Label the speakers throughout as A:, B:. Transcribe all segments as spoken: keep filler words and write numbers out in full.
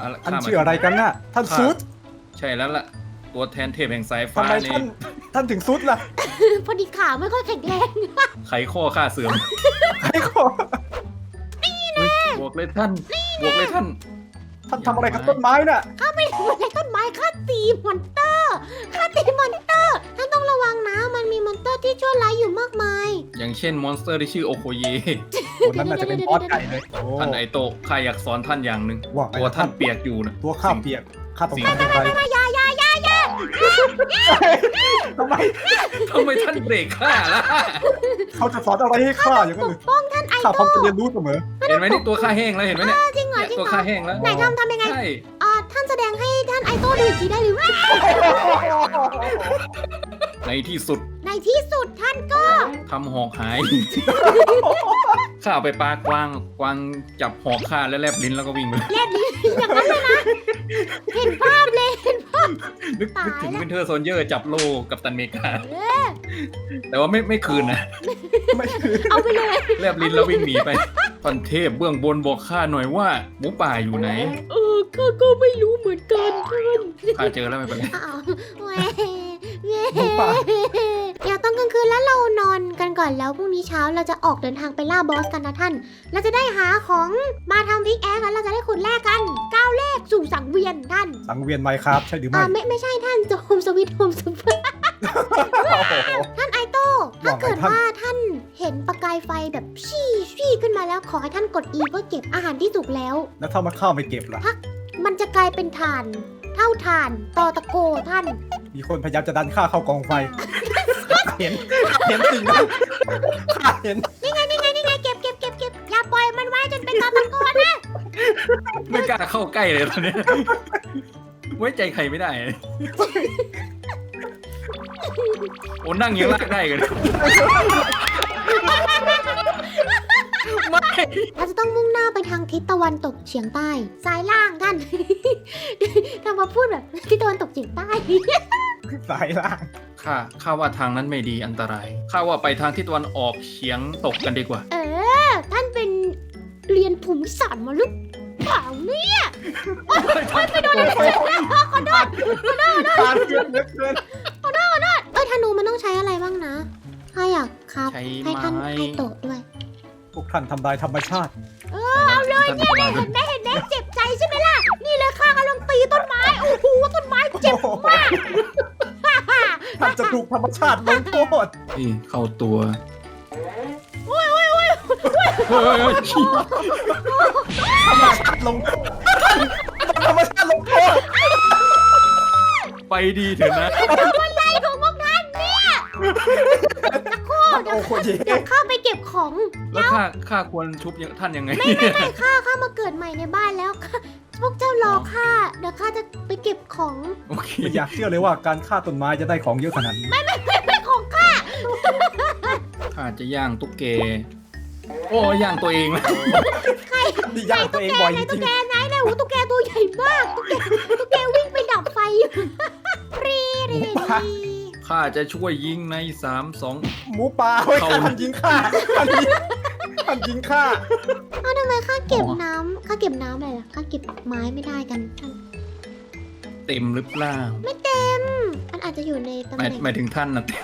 A: ท่านชื่ออะไรกันน่ะท่านซุด
B: ใช่แล้วล่ะตัวแทนเทพแห่งสายฟ้า
A: ทำไม
B: ใน
A: ท่านท่านถึงซุดล่ะ
C: พอดีขาไม่ค่อยแข็งแรง
B: ไขข้อข้าเสื่อม
A: ใครขอ
B: บวกเลยท่านบวกเลยท่าน
A: ท่านทำอะไรกับต้นไม้น่ะ
C: ข้าไม่ได้อะไรต้นไม้ข้าตีมอนเตอร์ข้าตีมอนเตอร์ท่านต้องระวังนะมันมีมอนเตอร์ที่ชั่วร้ายอยู่มากมาย
B: อย่างเช่นมอนสเตอร์ที่ชื่อโอโคเย
A: คนนั้นน่าจะเป็นบอสไก่เลยโอ้
B: ท่านไอโตะข้าอยากสอนท่านอย่างหนึ่ง
A: ว่าไง
B: ตัวท่านเปียกอยู่นะ
A: ตัวข้าเปียกข้าต้องทำอย่างไร
C: ยายายายา
A: ทำไม
B: ทำไมท่านเบรกข้าล่ะ
A: เขาจะสอนอะไรให้ข้าอย่างนั้นเลย
C: ป้องท่านไอ
A: ข้าพร้อม
C: โต้
A: จะเรียนรู้เสมอ
B: เห็นไหมนี่ตัวข้าแห้งแล้วเห็นไหมเนี่ย
C: จริงเหรอ
B: เนี่ย
C: จริง
B: ตัว
C: เหร
B: ข้า
C: อ
B: แห้งแล้ว
C: ไหนทำทำยังไง
B: ใช่
C: อ่าท่านแสดงให้ท่านไอโต้ดูอีกทีได้หรือไม่
B: ในที่สุด
C: ในที่สุดท่านก็
B: ทำหอกหาย ข้าเอาไปปลากวางกวางจับหอกข้าแล้วแลบลิ้นแล้วก็วิ่งไปเลย
C: เล่นลิ้นอย่างนั้นเลยนะ เห็นภาพเลยเห็นภาพ
B: นึก
C: ตาย
B: นึกถึง
C: แล้ว
B: วินเทอร์โซนเยอร์จับโลกับตันอเมริกา
C: เออ
B: แต่ว่าไม่ไม่คืนนะ
A: ไม่คือ
C: เอาไปเลย
B: แลบลิ้นแล้ววิ่งหนีไปท่านเทพเบื้องบนบอกข้าหน่อยว่าหมูป่าอยู่ไหน
C: เออข้าก็ไม่รู้เหมือนกันท่าน
B: ข้าเจอแล้วไม่เป็นไร
C: อ้าวแหวแหวเดี๋ยวตอนกลางคืนแล้วเรานอนกันก่อนแล้วพรุ่งนี้เช้าเราจะออกเดินทางไปล่าบอสกันนะท่าน เราจะได้หาของมาทำพิกแอคกันเราจะได้ขุดแลกกันก้าวแรกสู่สังเวียนท่าน
A: สังเวียนไมค์ครับใช่หรือไม่
C: อ่าไม่ไม่ใช่ท่านจะโฮมสวิตโฮมสวิต
A: โอ้โห
C: ท่านไอโต้ถ้า
A: ว่าไง
C: เกิด
A: ท่าน
C: ว่าท่านเห็นประกายไฟแบบชี่ชี่ขึ้นมาแล้วขอให้ท่านกด E เพื่อเก็บอาหารที่สุกแล้ว
A: แล้วถ้ามันเข้าไม่เก็บล่ะ
C: มันจะกลายเป็นถ่าน เท่าถ่านตอตะโกท่าน
A: มีคนพยายามจะดันข้าเข้ากองไฟเห็นเห็นสิ่งนั้นข้าเห็น
C: นี่ไงนี่ไงนี่ไงเก็บเก็บเก็บเก็บอย่าปล่อยมันไว้จนเป็นตอตะโกนะ
B: ไม่กล้าเข้าใกล้เลยตอนนี้ ไว้ใจใครไม่ได้ โอ้นั่งยังลากได้กันไม่
C: เราจะต้องมุ่งหน้าไปทางทิศตะวันตกเฉียงใต้ซ้ายล่างท่าน ทำมาพูดแบบทิศตะวันตกเฉียงใต้
A: สายล่าง
B: ข้าข้าว่าทางนั้นไม่ดีอันตรายข้าว่าไปทางทิศตะวันออกเฉียงตกกันดีกว่า
C: เออ ท่านเป็นเรียนภูมิศาสตร์มาหรือเปล่าเนี่ยโอ๊ยไม่โดนอะไรเลยขอโทษ
A: ทานเกินเหลือเกิน
C: เอ้ยธนูมันต้องใช้อะไรบ้างนะถ้าอยากครับ
B: ใช้
C: ให้ท่าน
B: ไม้
C: ให้โตะด้วย
A: พวกท่านทำลายธรรมชาติ
B: เอาเลยเนี่ย
C: เห็นไหมเห็นไหมเจ็บใจใช่ไหมล่ะ นี่เลยข้ากำลังตีต้นไม้ โอ้โหต้นไม้เจ็บมาก
A: ท่านจะถูกธรรมชาติลงโทษ
B: นี่เข้าตัว
C: โอ้ยโอ้ยโอ้ย
B: เฮ้ย
A: ธรรมชาติลงโทษธรรมชาติลงโทษ
B: ไปดีเถอะนะ
C: อะไรของพวกท่านเนี่ยสักครู่เดี๋ยว
A: โอ้โหเย่
C: เดี๋ยวข้าไปเก็บของ
B: แล้วข้าข้าควรชุบยังท่านยังไง
C: ไม่ไม่ไม่ข้าข้ามาเกิดใหม่ในบ้านแล้วข้าพวกเจ้ารอข้าเดี๋ยวข้าจะไปเก็บของ
B: โอเค
A: ไม่อยากเชื่อเลยว่าการฆ่าต้นไม้จะได้ของเยอะขนาดนี้
C: ไม่ไม่ไม่ของข้า
B: ข้าจะย่างตุ๊กแก โอ้ย่างตัวเองนะ
A: นี่ย่างตัวเองบ่อยจ
C: ไหนตุ๊
A: ริ
C: ก
A: ง
C: แกไหนไหนโอ้ตุ๊กแกตัวใหญ่มากตุ๊กแกตุ๊กแกวิ่งไปดับไฟอยู่รีรีรี
B: ข้าจะช่วยยิงในสามสอง
A: ๆหมูป่าเฮ้ย
B: เขา
A: ท่านยิงข้าท่านยิงท่านยิงข้า
C: เอาทำไมข้าเก็บน้ำข้าเก็บน้ำอะไรล่ะข้าเก็บไม้ไม่ได้กันท่าน
B: เต็มหรือเปล่า
C: ไม่เต็มมันอาจจะอยู่ในตำ
B: ห
C: แห
B: มาย
C: น่ง
B: หมายถึงท่านนะเต็ม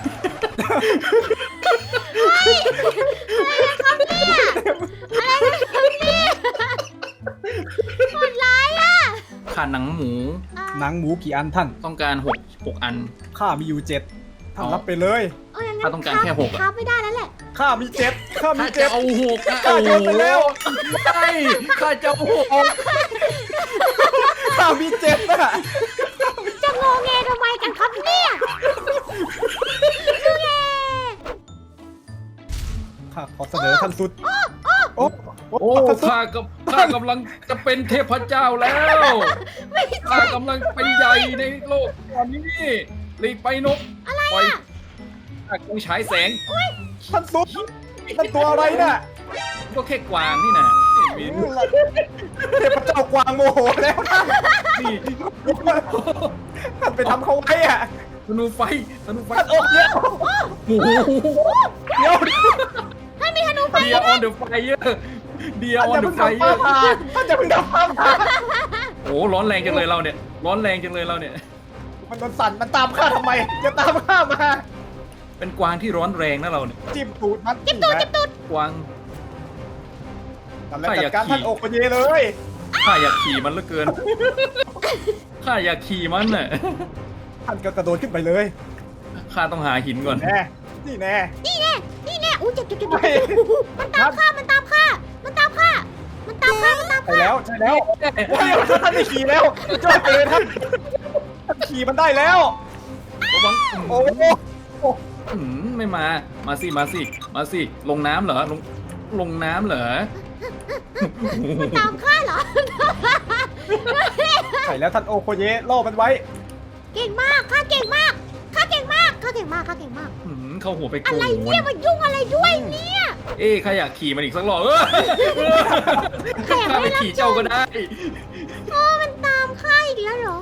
C: โหดร้ายอ่ะ
B: ข้าหนังหมู
C: อ่ะ
A: หนังหมูกี่อันท่าน
B: ต้องการหกหกอัน
A: ข้ามีอยู่เจ็ดท่านรับไปเลย
C: เอาอย่างงั้
B: ข้าน ต้องการแค่หกอะ
C: ครับไม่ได้แล้วแหละ
A: ข้ามีเจ็ดข้ามี
B: ข้าจะ
A: เจ็ด
B: เอาหกอะ
A: ข้าโยนไปแล้ว
B: ใช่ข้าจะเอาหก
A: ข้ามีเจ็ดน่ะ
C: จะงงแงทำไมกันครับเนี่ยงงแง
A: ข้าขอเสนอท่านสุดโอ้
B: โอ้ข้ากับข้ากำลังจะเป็นเทพเจ้าแล้ว
C: ไม่ใช่
B: ข้ากำลังเป็นใหญ่ในโลกตอนนี้รีบไปนกอะไรอ่ะข้ากำลังฉายแสง
A: ท่านสุดนั่นตัวอะไรน่ะ
B: ก็แค่กวางนี่นะมี
A: เทพเจ้ากวางโมโหแล้วท่าน
B: นี่
A: ท่านไปทำเขาไว้อะ
B: ธนูไฟธนูไฟ
A: ท่านโอ้เดี๋ยว
B: โอ้โห
A: เดี๋ยว
C: ท่านมีธนูไฟ
B: เดียออนเดอะไฟเยอร์เดียออน
A: ท่าน
B: เด
A: จะ
B: อะ
A: เพิ่ง
B: ไฟ
A: ดับ
B: เย
A: ฟ้า
B: อร์
A: ผ่าท่านจะเพิ่งดับฟ้าผ่า
B: โอ้ร้อนแรงจังเลยเราเนี่ย ร้อนแรงจังเลยเราเนี่ย
A: มันโดนสั่นมันตามข้าทำไมจะตามข้ามา
B: เป็นกวางที่ร้อนแรงนะเราเนี่ย
A: จิ้มตูดมัน
C: จิ้มตูดจิ้มตูด
B: กวาง
A: ทำแล้วจัดการท่านโอโคเยเลย
B: ข้าอยากขี่มันเหลือเกิน ข้าอยากขี่มันน่ะ
A: ท่านก็กระโดดขึ้นไปเลย
B: ข้าต้องหาหินก่อน
A: แน่นี่แน่
C: นี่แน่นี่แน่อู้เจ็บเจ็บเจ็บ
A: ไม่
C: มันตามข้ามันตามข้ามันตามข้ามันตามข้ามันตาม
A: ใช่
C: ข้า
A: แล้วใช่แล้วโอ้ยท่านได้ขี่แล้วจ้อยไปเลยท่านท่านขี่มันได้แล้ว
B: ระวัง
A: โอ้โห
B: อืมไม่มา มาสิ มาสิ มาสิ ลงน้ำเหรอ ลง ลงน้ำเหรอ
C: มันตามข้าเหรอ
A: ใช่แล้วท่านโอโคเยล่อมันไว้
C: เก่งมากข้าเก่งมากข้าเก่งมากข้าเก่งมากข้าเก่งมาก
B: อืมเข้าหัวไปโก
C: อะไร
B: น
C: เนี่ยมันยุ่งอะไรด้วยเนี่ย
B: เอ้ข้าอยากขี่มันอีกสักรอบเออ
C: ข้าอยาก
B: ข้าไป
C: ได้รับ
B: ขี่เจ้าก็ได้
C: โอ้มันตามข้าอีกแล้วเหรอ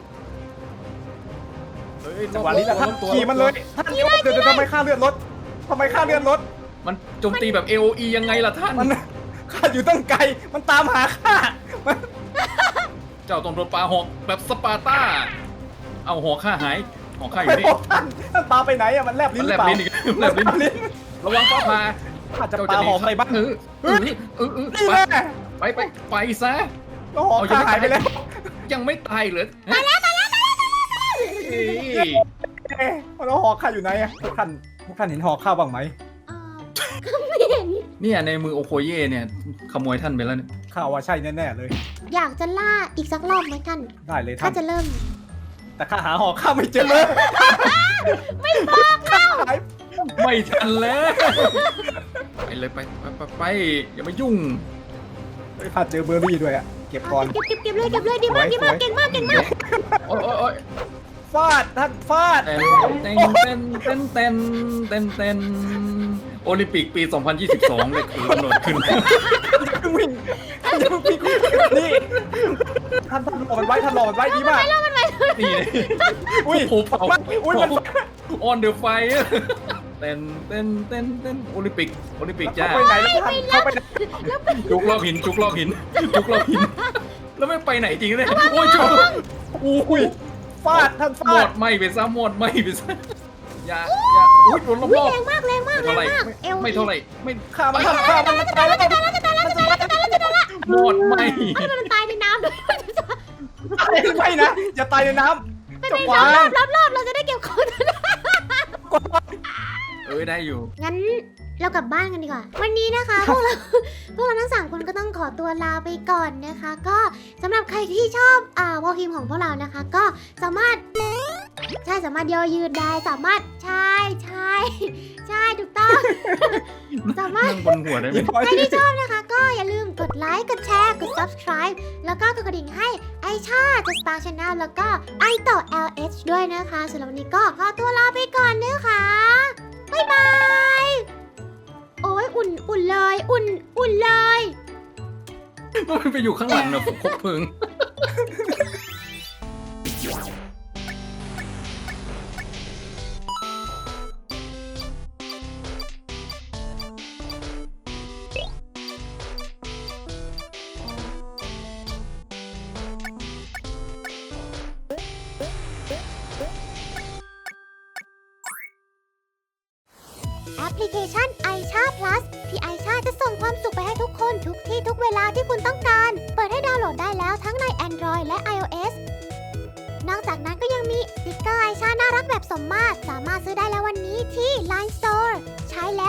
B: เฮ้ย
A: จังหวะนี้แหละท่าน
B: ตัว
A: ขี่มันเลยท่านเดี๋ยวเดี๋ยวทำไมค่าเลือดลดทำไมค่าเลือดลด
B: มันโจมตีแบบ เอ โอ อี ยังไงล่ะท่าน
A: มันข้าอยู่ตั้งไกลมันตามหาข้ามัน
B: เจ้าต้องโดนปลาหอกแบบสปาร์ต้า เอาหอกข้าหาย หอกข้าอยู่
A: ไม่
B: นี่
A: บอกท่านท่านปาไปไหนอะมันแลบลิ้
B: มัน น
A: ห
B: แล
A: รือบ เปล่า
B: ลิ้นอีกแลบลิ้น
A: ลิ้น
B: ระวังฟ้าผ่า
A: ข้าจะปาหอกใส่บ้าง
B: เออเออเออเออ
A: นี่
B: ไป
A: แน่
B: ไปไปไปซะ
A: แล้วหอกข้าหายไปแล้ว
B: ยังไม่ตายเหรอตายแล้วตายแล้วตายแล้ว
A: เอ๊ะแล้วหอกข้าอยู่ไหนอะพวกท่านพวกท่านเห็นหอกข้าบ้างไหม
C: อ่าก็ไม่เห็น
B: เนี่ยในมือโอโคเย่เนี่ยขโมยท่านไปแล้วเนี่ย
A: ข้าว่าใช่แน่ๆเลย
C: อยากจะล่าอีกสักรอบไหมท่าน
A: ได้เลย
C: ข้า
A: ท่าน
C: จะเริ่ม
A: แต่ข้าหาหอกข้าไม่เจอเลย
C: ไม่บอกแล้ว
A: หาย
B: ไม่ทันแล้วไปเลยไปไปไปไปอย่ามายุ่ง
A: ข้าเจอเบอร์รี่ด้วยอะเก็บก่อน
C: เก็บเก็บเก็บเลยเก็บเลยดีมากดีมากเก่งมากเก่งมาก
B: โอ้ยโอ้ยโอ้ย
A: ฟาดท่านฟาด
B: เต้นเต้นเต้นเต้นเต้นเต้นเต้นโอลิมปิกปี สองพันยี่สิบสอง เลยคือกำหนดขึ้น
A: วิ่งอย่าเพิ่งวิ่งนี่ท่านท่านหลอกมันไว้ท่านหลอกมันไว้ดีมาก
B: นี่เลย
A: อุ้ย
B: โอ้โหเผา
A: อุ้ยมัน
B: ออนเดอะไฟเต้นเต้นเต้นเต้นโอลิมปิกโอลิมปิกจ้า
A: เข้าไปไหนแล้วท่านเข้าไปไหน
B: จุกรอบหินจุกรอบหินจุกรอบหิน แล้วไม่ไปไหนจริงเลยโอ้ยจุก
A: อุ้ยฟาดท่าน
B: หม
A: ฟาด
B: ดไหม่ไปซะหมดไหม่ไปซะอย่าอย่าอุ้ยโดนร
C: อุ๊ย
B: อบ
C: แรงมากแรงมาก
B: ๆไม่
C: แร
B: เท่าง ไหร่
C: มากเอว
B: ไม่เท่าไหร่ไม่
A: ฆ่ามันท่านฆ่ามันมันตายแล้วมันจะตายแล้ว
B: หมดไหม่
C: เอ้ยมันตายในน้ำด้วย
A: ไม่นะอย่าตายในน้ำ
C: ไม่
A: จะ
C: ไม่
A: ควาร
C: อบ
A: ง
C: รอบรอบเราจะได้เก็บของ
B: เอ้ยได้อยู่
C: งั้นเรากลับบ้านกันดีกว่า วันนี้นะคะ พวกเรา พวกเราทั้งสามคนก็ต้องขอตัวลาไปก่อนนะคะ ก็สำหรับใครที่ชอบอ่าวอลคิมของพวกเรานะคะ ก็สามารถใช่สามารถย่อยืดได้สามารถใช่ใช่ใช่ถูกต้อง สามารถ
B: นั่งบนหัวได้ไหม
C: ใครที่ชอบนะคะ ก็อย่าลืมกดไลค์กดแชร์กด subscribe แล้วก็กดกระดิ่งให้ไอชาจะ Star Channel แล้วก็ไอต่อ แอล เอช ด้วยนะคะสำหรับวันนี้ก็ขอตัวลาไปก่อนนะคะบ๊ายบายโอ้ยอุ่นอุ่นเลยอุ่นอุ่นเลย
B: มันไปอยู่ข้างหลังนะคบเพลิง
C: แอปพลิเคชัน ไอชา Plus ที่ไอชาจะส่งความสุขไปให้ทุกคนทุกที่ทุกเวลาที่คุณต้องการ เปิดให้ดาวน์โหลดได้แล้วทั้งใน Android และ iOS นอกจากนั้นก็ยังมีสติกเกอร์ไอชาน่ารักแบบสมมาตรสามารถซื้อได้แล้ววันนี้ที่ ไลน์ Store ใช้แล้ว